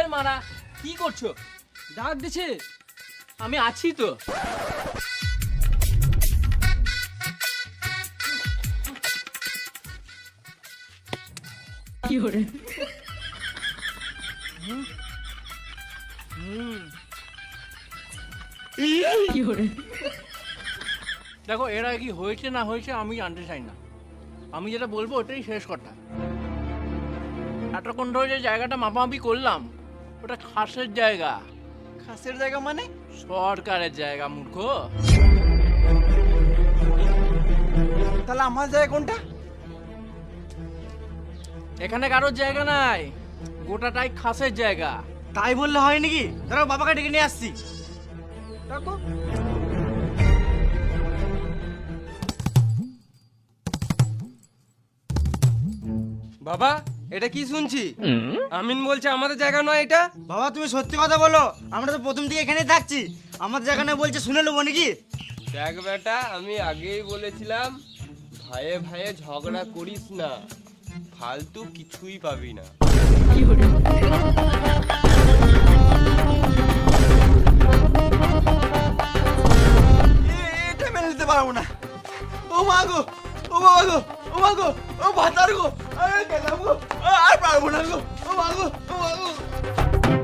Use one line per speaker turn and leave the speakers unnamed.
ধের মারা, কি করছো?
ডাক দিছে।
আমি আছি তো।
কি করে? কি করে?
দেখো, এরা কি হয়েছে না হয়েছে আমি জানতে চাই না, আমি যেটা বলবো ওটাই শেষ কথা। এতক্ষণ ধরে যে জায়গাটা মাপামাপি করলাম, ওটা খাসের জায়গা।
খাসের জায়গা মানে?
সরকারের জায়গা মূর্খ।
তাহলে আমার জায়গা কোনটা?
এখানে কারোর জায়গা নাই, গোটাটাই খাসের জায়গা।
তাই বললে হয় নাকি? দাঁড়াও, বাবাকে ডেকে নিয়ে আসছি। দেখো,
বাবা এটা কি শুনছি? আমিন বলছে আমাদের জায়গা নয় এটা।
বাবা তুমি সত্যি কথা বলো, আমরা তো প্রথম থেকে এখানেই থাকছি। আমাদের জায়গা না বলছে, শুনে নেবো নাকি?
দেখ বেটা, আমি আগেই বলেছিলাম ভাইয়ে ভাইয়ে ঝগড়া করিস না, ফালতু কিছুই পাবি না।
কি করে?
এটা মেনে নিতে পারবো না। ও মা গো, ও বাবা গো, ও মা গো, ও ভাতার গো, আরে গেলাম গো, আর পারবো না গো, ও মা গো, ও মা গো।